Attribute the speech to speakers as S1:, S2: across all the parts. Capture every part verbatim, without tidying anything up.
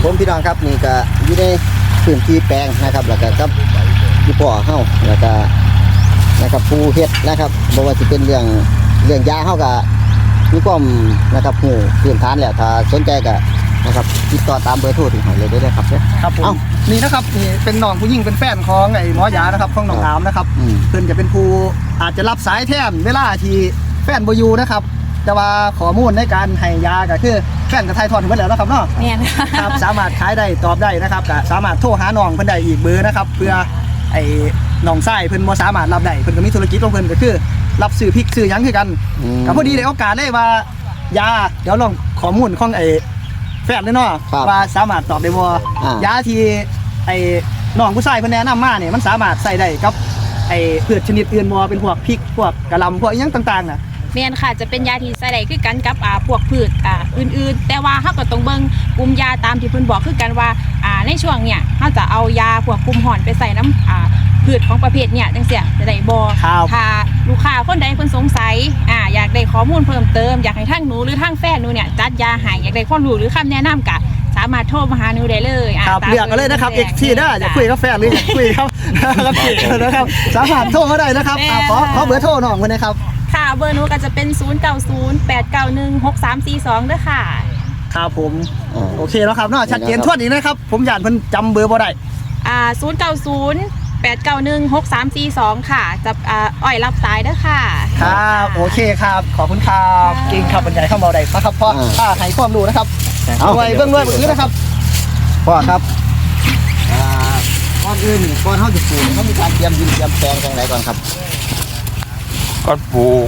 S1: ผมพี่น้องครับนี่ก็อยู่ในพื้นที่แปลงนะครับแล้วก็กับพี่พ่อเฮาแล้วก็นะครับผู้เฮ็ดนะครับบ่ว่าสิเป็นเรื่องเรื่องยาเฮาก็มีความนะครับหูพื้นฐานแล้วถ้าสนใจก็นะครับติดต่อตามเบอร์โทรที่ให้เลยได้ครับ
S2: ครับผมนี่นะครับนี่เป็นน้องผู้หญิงเป็นแฟนของไอ้หมอยานะครับของน้องอามนะครับเพิ่นจะเป็นผู้อาจจะรับสายแทนเวลาที่แฟนบ่อยู่นะครับแต่ว่าข้อมูลในการให้ยาก็คือแฟนกับไทยทอนเพิ่นแล้วนะครับเนาะ
S3: แม่น
S2: ครับสามารถขายได้ตอบได้นะครับก็สามารถโทรหาน้องเพิ่นได้อีกเบอร์นะครับเพื่อไอ้น้องชายเพิ่นบ่สามารถรับได้เพิ่นก็มีธุรกิจของเพิ่นก็คือรับซื้อพริกซื้อหยังคือกันก็พอดีได้โอกาสได้ว่ายาเดี๋ยวลองข้อมูลของไอ้แฟนเลยเนาะว่าสามารถตอบได้บ่ยาที่ไอ้น้องผู้ชายเพิ่นแนะนำมาเนี่ยมันสามารถใส่ได้กับไอ้พืชชนิดอื่นบ่เป็นพวกพริกพวกกะหล่ำพวกอีหยังต่างๆน่ะ
S3: แม่นค่ะจะเป็นยาที่ใส่ได้คือกันกับอ่าพวกพืชอ่าอื่นๆแต่ว่าเฮาก็ต้องเบิ่งกลุ่มยาตามที่เพิ่นบอกคือกันว่าอ่าในช่วงเนี้ยเฮาจะเอายาพวกกลุ่มห่อนไปใส่น้ำอ่าพืชของประเภทเนี้ยจังซี่จะได้บ่ถ้าลูกค้าคนใดเพิ่นสงสัยอ่าอยากได้ข้อมูลเพิ่มเติมอยากให้ทางหนูหรือทางแฟนหนูเนี่ยจัดยาให้อยากได้ความรู้หรือคำแนะนำก็สามารถโทรมาหาหนูได้เลย
S2: อ่าเลือกกันเลยนะครับ เอ็กซ์ ที เด้ออยากคุยกับแฟนหรืออยากคุยครับนะครับสามารถโทรมาได้นะครับขอขอเบอร์โทรน้องเพิ่นนะครับ
S3: ค่ะเบอร์หนูก็จะเป็นศูนย์ เก้า ศูนย์ แปด เก้า หนึ่ง หก สาม สี่ สองเด้อค่ะ
S2: ครับผมโอเคแล้วครับเนาะชัดเจนทั่วนี้นะครับผมอยากเพิ่นจำเบอร์บ่ได้
S3: อ่าศูนย์ เก้า ศูนย์ แปด เก้า หนึ่ง หก สาม สี่ สองค่ะจะอ่าอ้อยรับสายเด้อค่ะ
S2: ครับโอเคครับขอบคุณครับจริงครับบรรยายเข้ามาได้นะครับพ่อถ้าให้ความรู้นะครับเอาไว้เบื้องด้วยบื้อนะครับ
S1: พ่อครับอ่าก่อนอื่นก่อนเฮาจะปลูกเฮามีการเตรียมดินเตรียมแปลงจังไดก่อนครับ
S4: ก่อนปลูก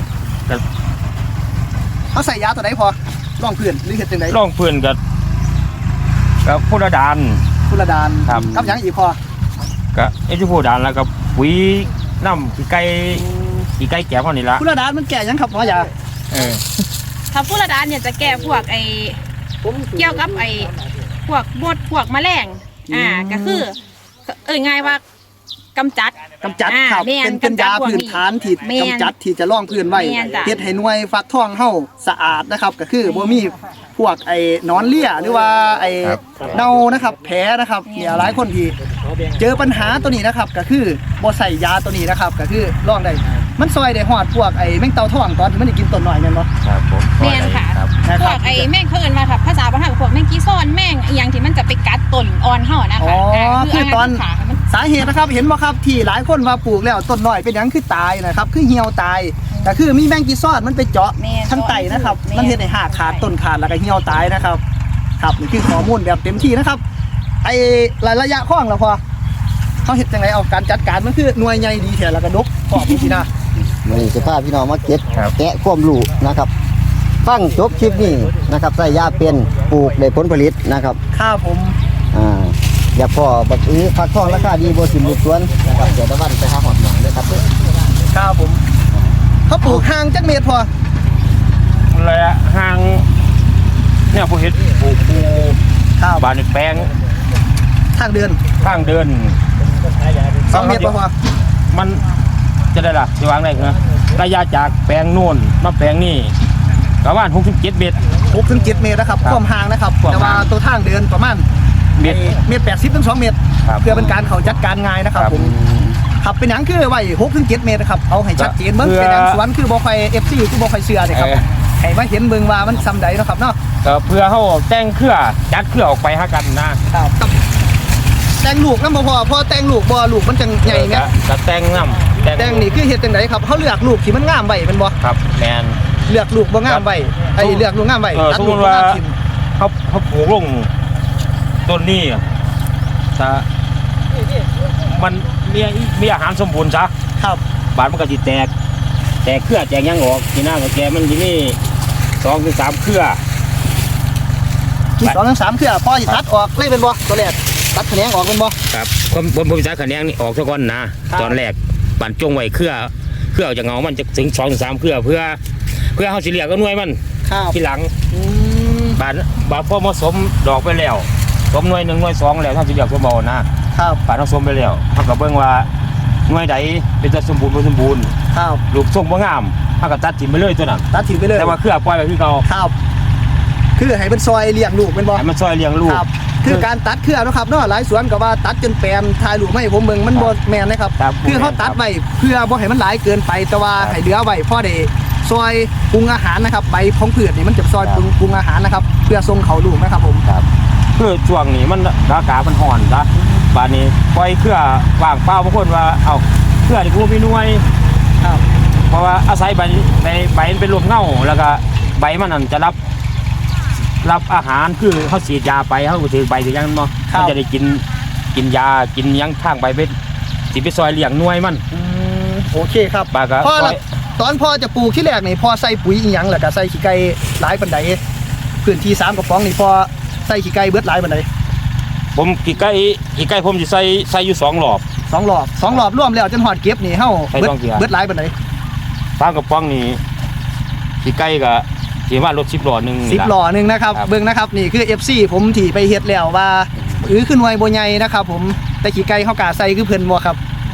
S2: เขาใส่ยาตัวไหนพอร่องเพื่อนหรือเห็ดจังได
S4: ร่องเพื่อนกับกับพุทธดาน
S2: พุทธดาน
S4: ครับ
S2: กับยังอีกพอ
S4: กับไอ้ที่พุทธดานแล้วกับปุ๋ยน้ำขี้ไก่ขี้ไก่แก่พอนี่ละ
S2: พุทธดานมันแก่ยังครับพ่อยา
S4: เออ
S3: ถ้าพุทธดานเนี่ยจะแก้พวกไอ้เกี่ยวกับไอ้พวกบดพวกแมลงอ่าก็คือเอ่ยง่ายว่ากำจัด
S2: กำจัดครับเป็นเป็นยาพื้นฐานที่กำจัดที่จะล่องพื้นไว้เฮ็ดให้หน่วยฟักทองเฮาสะอาดนะครับก็คือบ่มีพวกไอ้นอนเลี่ยหรือว่าไอ้เน่านะครับแผลนะครับเนี่ยหลายคนที่เจอปัญหาตัวนี้นะครับก็คือบ่ใส่ยาตัวนี้นะครับก็คือล่องได้มันซอยได้ฮอดพวกไอ้แมงเต่าทองตอนที่มันได้กินต้นหน่อยแม่นบ่
S4: ครับผม
S3: แม่นค่ะพวกไอ้แมงเขาเอิ้นว่าครับภาษาบ้านเฮาพวกแมงกีซ้อนแมงอีหยังที่มันจะไปกัดต้นอ่อนเฮานะคะ
S2: อ๋อคือตอนสาเหตุนะครับเห็นบ่ครับที่หลายคนว่าปลูกแล้วต้นน้อยเป็นหยังคือตายนะครับคือเหี่ยวตายก็คือมีแมงกีซ้อนมันไปเจาะทั้งไตนะครับมันเฮ็ดให้หากขาดต้นขาดแล้วก็เหี่ยวตายนะครับครับนี่คือข้อมูลแบบเต็มที่นะครับไอ้ระยะข้องแล้วพอเขาเฮ็ดจังไดเอาการจัดการมันคือหน่วยใหญ่ดีแท้แล้วก็ดกพร้อมสินะ
S1: มื้อนี้สิพาพี่น้องมาเก็บแกะความรู้นะครับฟังจบคลิปนี้นะครับใส่ยาเป็นปลูกได้ผลผลิตนะครับ
S2: ครับผม
S1: อ่าอย่าพอบักอื้อฟักทองราคาดีบ่สิบุกสวนนะครับเดี๋ยวตะวันไปหาหอดหนองเด้อครับ
S2: ครับผมเขาปลูกห่างจักเมตรพอ
S4: ระยะห่างเนี่ยผู้เฮ็ดปลูกปูข้าวบานแปลง
S2: ทางเดิน
S4: ทางเดิน
S2: สองเมตรพอ
S4: มันจะได้ล่ะจะวางได้เหรอระยะจากแปลงโน่นมาแปลงนี่ประมาณหกถึงเจ็ดเมตร
S2: หกถึงเจ็ดเมตรนะครับความห่างนะครับแต่ว่าตัวทางเดินประมาณเมตรเมตรแปดสิบถึงสองเมตรเพื่อเป็นการเขาจัดการง่ายนะครับผมขับเป็นหยังคือไว้หกถึงเจ็ดเมตรครับเอาให้ชัดเจนเบิ่งเป็นหยังสวนคือบ่ค่อยเอฟซีคือบ่ค่อยเชื่อเลยครับให้มาเห็นเบิ่งว่ามันซ้ำใดเนาะครับเนาะ
S4: ก็เพื่อเขาแต่งเครือจัดเครือออกไปหากันนะครับ
S2: แต่งลูกน้ำบ่พอพอแต่งลูกบ่ลูกมันจังใหญ่ไง
S4: จะแต่งน้ำ
S2: แต่งนี่คือเฮ็ดจังไดครับเขาเลือกลูกที่มันงามไว้เป็นบ่
S4: ครับแมน
S2: เลือกลูกบ่งามไว้ไอ้เลือกลูกงามไว้
S4: ตัดลูกบ่งามทิ่มเขาเขาปลูกลงต้นนี้ถ้ามันมีมีอาหารสมบูรณ์ซะ
S2: ครับ
S4: บาดมันก็จะแตกแตกเครือแตกยังออกที่หน้ากับแกมันที่นี่สองถึงสามเครือ
S2: สองถึงสามเครือพอจะตัดออกเลยเป็นบ่ตัวแรกตัดแขนงออกเป็นบ่
S4: ครับผมผมผมจะแขนงนี่ออกซะก่อนนะตอนแรกบานจงไว้เครือเครือจะเงามันจะถึงสองถึงสามเครือเพื่อเพื่อเขาสิเลียก็หน่วยมันที่หลังบานบานพอผสมดอกไปแล้วสมหน่วยหนึ่งหน่วยสองแล้วถ้าสิเลียก็เบานะครับบานผสมไปแล้วเขาก็เบิ่งว่าหน่วยใดเป็นจะสมบูรณ์บ่สมบูรณ์
S2: ครับ
S4: ลูกทรงบ่งามเขาก็ตัดถิ่นไปเลยตัวนั้น
S2: ตัดถิ่นไปเลย
S4: แต่ว่าเครือปล่อยไปคือเก่า
S2: ครับคือให้เป็นซอยเลี้ยงลูกเป็นบ่
S4: ให้มันซอยเลี้ยงลูก
S2: ครับคือการตัดเครือเนาะครับเนาะหลายสวนก็ว่าตัดจนแปลนถ่ายรูปมาให้ผมเบิ่งมันบ่แม่นนะครับ
S4: ครับ
S2: คือเขาตัดไว้เพื่อบ่ให้มันหลายเกินไปแต่ว่า
S4: ครับ
S2: ให้เหลือไว้พอได้ซอยปรุงอาหารนะครับใบของพืชนี่มันจะซอย
S4: ครับ
S2: ปรุงปรุงอาหารนะครับเพื่อส่งเขาลูกนะครับผม
S4: ครับคือช่วงนี้มันอากาศมันร้อนจ้ะบาดนี้ปล่อยเครือว่างเปล่าบางคนว่าเอาเครือนี่กูมีหน่วย
S2: ครับ
S4: เพราะว่าอาศัยใบใบใบมันเป็นรวมเงาแล้วก็ใบมันนั่นจะรับรับอาหารคือเขาฉีดยาไปเขาก็ถือใบถือหยังมัน
S2: ครับ
S4: เขาจะได้กินกินยากินหยังทางใบเป็นสิไปซอยเลี้ยงหน่วยมัน
S2: อืมโอเคครับ
S4: ปลาก็
S2: พ่อ
S4: ซ
S2: ละ
S4: อย
S2: ตอนพ่อจะปลูกที่แรกนี่พ่อใส่ปุ๋ยอีหยังแล้วก็ใส่ขี้ไก่หลายปานใดพื้นที่สามกระป๋องนี่พ่อใส่ขี้ไก่เบิดหลายปานใด
S4: ผมกี่ไก่กี่ไก่ผมจะใส่ใส่อยู่สองหลอบ
S2: สองรอบสองรอบรวมแล้วจนฮอดเก็บนี่เฮา
S4: ใส่
S2: เบิด
S4: ต้องเกียร์
S2: เบิดหลายปานใด
S4: ฟางกระป๋องนี่กี่ไก่ก็ที่ว่ารถสิบล้อหนึ่ง
S2: สิบหล่อหนึงนะครับ
S4: ครับ
S2: เบิ่งนะครับนี่คือ เอฟ ซี ผมที่ไปเฮ็ดแล้วว่าอือขึ้นหน่วยบ่ใหญ่นะครับผมแต่ขี้ไก่เฮากล้าใส่คือเพิ่นบ่ครับ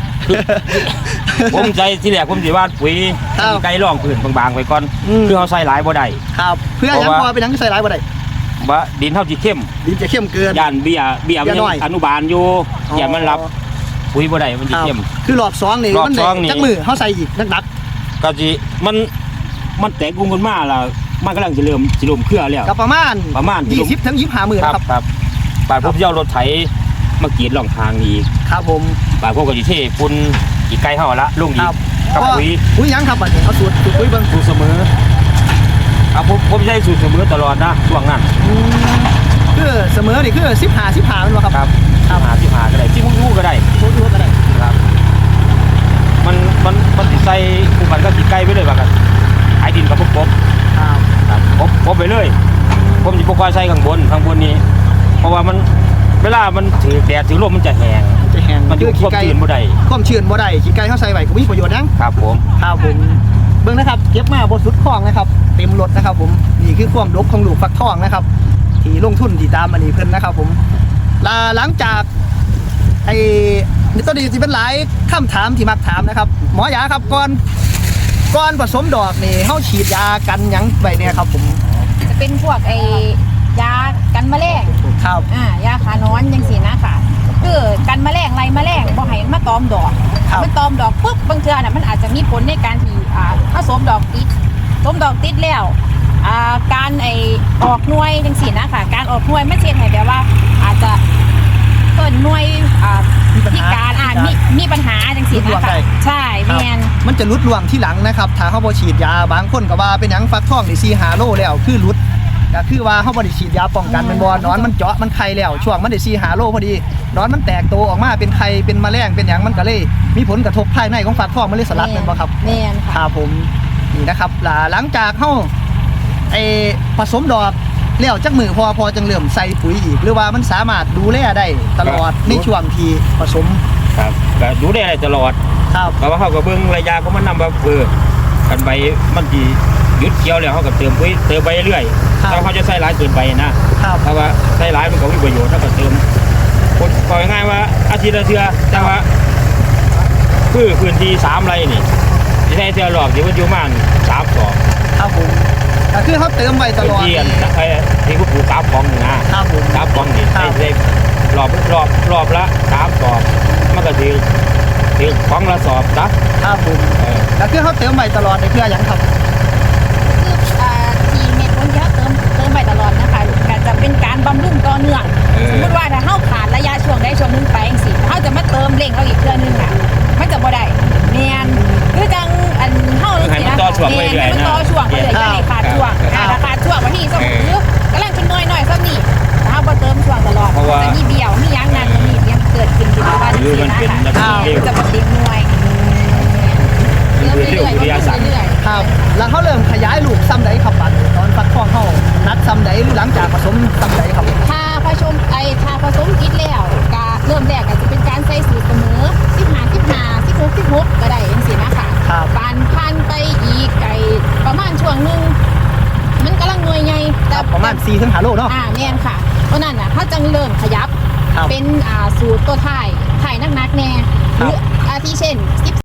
S4: ผมใจที่แรกผมสิว่าปุ๋ย
S2: ครับ
S4: กี่ไก่ร่องพื้นบางๆไปก่อน
S2: อืม
S4: คือเขาใส่หลายบ่ได้
S2: ครับเพื่อหยัง
S4: เพราะว่า
S2: พอเป็นหยังใส่หลายบ่ได้
S4: ว่าดินเท่าที่เข้ม
S2: ดินจะเข้มเกิน
S4: ย่านเบี้ยเบี้ยมัน
S2: เบี้ยน้อย
S4: ยังอนุบาลอยู่อย่ามันรับปุ๋ยบ่ได้มันสิ
S2: ครับ
S4: เข้ม
S2: คือรอบสองนี่
S4: รอบ
S2: มันได้
S4: สองนี่
S2: จักมือเฮาใส่อีกนัก
S4: ก็สิมันมันแตกกุ้งกันมาแล้วมันกำลังจะเริ่มสิเริ่มเครือแล้ว
S2: ๆก็ประมาณ
S4: ประมาณ
S2: ยี่สิบถึงยี่สิบห้ามื้อ
S4: ครับ
S2: นะครับ
S4: ครับบาดผมจะเอารถไถมากรีดร่องทางนี่อีก
S2: ครับผม
S4: บาดพวกก็สิเทฝุ่นกี่ไก่เฮาละลงอี
S2: ค
S4: ก
S2: รับ
S4: กับปุ๋ย
S2: ปุ๋ยหยังครับบัดนี้เอาสูตรสูตรปุ๋ยเบิ่ง
S4: สูตรเสมอครับผมผมใช้สูตรเสมอตลอดนะช่วงนั้น
S2: อืมคือเสมอนี่คือสิบห้า สิบห้าแม่นบ่ครับ
S4: ครับสิบหาสิบหาก็ได้ที่มุ้งก็ได้
S2: สูตรก็ได้
S4: ครับมันมันมันสิใส่คู่กันก็กี่ไก่ไปเลยว่ากันไอ้ดินกับพวกกบ
S2: ครับ
S4: ครับกบกบไปเลย ผมจะพกควายใส่ข้างบนข้างบนนี้ เพราะว่ามันเวลามันถือแดดถือลมมันจะแห้ง
S2: จะแห้ง
S4: มันอยู่
S2: คือ
S4: ควบ
S2: ไก่
S4: ชื้นบ่ได้
S2: ความชื้นบ่ได้ขี้ไก่เฮาใส่ไว้ก็มีประโยชน์หยัง
S4: ครับผม
S2: ครับผมเบิ่งนะครับเก็บมาบนสุดคลองนะครับเต็มรถนะครับผมนี่คือความดกของลูกฟักทองนะครับที่ลงทุนที่ตามอันนี้เพิ่นนะครับผมลาหลังจากไอ้นี่ตัวนี้สิเป็นหลายคำถามที่มักถามนะครับ หมอยาครับก่อนก่อนผสมดอกนี่เฮาฉีดยากันหยังไว้เนี่ยครับผม
S3: จะเป็นพวกไอ้ยากันแมลง
S2: ครับ
S3: อ่ายาขานอนจังซี่นะค่ะคือกันแมลงไล่แมลงบ่ให้มันมาตอมดอก
S2: ครับ
S3: มันตอมดอกปุ๊บบางเทื่อน่ะมันอาจจะมีผลในการที่อ่าผสมดอกติดสมดอกติดแล้วอ่าการไอออกหน่วยจังซี่นะค่ะการออกหน่วยมันเช่นให้แบบว่าอาจจะเกิดหน่วยอ่า
S2: มีปัญ
S3: พิ
S2: หา
S3: การอ่ามีมีปัญหาจังซี่
S2: รุดร่ว
S3: นะ
S2: ง
S3: ค่ะ
S2: ได้
S3: ใช่แม่น
S2: มันจะรุดร่วงที่หลังนะครับถ้าเฮาบ่ฉีดยาบางคนก็ว่าเป็นหยังฟักทองนี่สี่ ห้าโลแล้วคือรุดก็คือว่าเฮาบ่ได้ฉีดยาป้องกันแมันบ่หนอนมันเจาะมันไข่แล้วช่วงมันได้สี่ ห้าโลพอดีหนอนมันแตกโตออกมาเป็นไข่เป็นแมลงเป็นหยังมันก็เลยมีผลกระทบภายในของฟักทองมันเลยสลัดแม่นบ่ครับ
S3: แม่น
S2: ค
S3: ค่ะ
S2: รับผมนี่นะครับหลังหลังจากเฮาไอผสมดอกแล้วจักมือพอพอจังเริ่มใส่ปุ๋ยอีก หรือว่ามันสามารถดูแลได้ตลอดในช่วงที่ผสม
S4: ครับก็ดูได้ตลอด
S2: ครับ
S4: เพราะว่าเขาก็เบิ่งระยะของมันนำว่าเออกันใบมันสิหยุดเกี่ยวแล้วเขาก็เติมปุ๋ยเติมไปเรื่อยถ้าเขาจะใส่หลายเกินไปนะครับ ถ้าว่าใส่หลายมันก็มีประโยชน์ถ้าก็เติมคนก็ง่ายๆว่าอาทิตย์ละเทื่อแต่ว่าคือพื้นที่สามไร่นี่ที่ใช้เทื่อรอบที่มันอยู่ประมาณสามสอบ
S2: ครับผมก็คือเขาเติมไว้ต
S4: พื้น
S2: ลอด
S4: ที่อันไอ้ที่เขาปลูกกราฟของนี่นะครับ
S2: ผม
S4: กราฟของนี่
S2: ครั
S4: ใช้
S2: บ
S4: ใช้รอบรอบรอบละสามสอบมันก็ถือถือของละสอบนะครับ
S2: ผม
S4: เออ
S2: ก็คือเขาเติมไว้ตลอดในเพื่อหยังครับ
S3: คืออ่าที่เม็ดผลที่เขาเติมเติมไปตลอดนะคะก็จะเป็นการบำรุงต่อเนื่อง
S4: เออ
S3: สมมติว่าถ้าเฮาขาดระยะช่วงใดช่วงหนึงไปจังซี่เฮาจะมาเติมเร่งเราอีกเทื่อนึงอ่ะมันจะบ่ได้แม่นคือจังอันเฮาจังซี่นะ
S4: ให้มันต่อช่วงไปเรื่อยๆ
S3: แม่นให้มันต่อช่วงไปเรื่อยๆอย่าให้ขาดช่วง
S4: ครับ
S3: อ่าถ้าขาดช่วงวันที่สมมุติ
S4: เออ
S3: กำลังจะน้อยๆซ้ำนี่ถ้าเฮาบ่เติมช่วงตลอด
S4: เพราะว่า
S3: จะมีเบี้ยวมีหยังนั่นมีเบี้ยเกิดขึ้นที่ว่าจัง
S4: หรือ
S3: ซี่
S4: มัน
S3: นะ
S4: เป็น
S3: ค่ะ
S4: ระบบเร็ว
S3: จะบ่ติดหน่วยเติมเรื่อยๆ
S4: วิทยาศาสตร์
S3: เรื่อยๆ
S2: ครับ แล้วเขาเริ่มขยายลูกซ้ำใดครับบัดตอนฟักทองเขานัดซ้ำใดหรือหลังจากผสมซ้ำใดครับ
S3: ถ้าผสมไอถ้าผสมกินแล้วก็เริ่มแรกก็จะเป็นการใส่สูตรเสมอสิบห้า สิบห้า สิบหก สิบหกก็ได้จังซี่นะคะ
S2: ครับ
S3: ปานพันไปอีกไอประมาณช่วงหนึงมันกำลังหน่วยใหญ่
S2: ค
S3: แต่
S2: รับประมาณสี่ถึงห้าโลเนาะ
S3: อ่าแม่นค่ะเพราะนั้นน่ะถ้าจังเริ่มขยับ
S2: ครับ
S3: เป็นอ่าสูตรตัวถ่ายถ่ายนักๆแน่หรืออาทิเช่น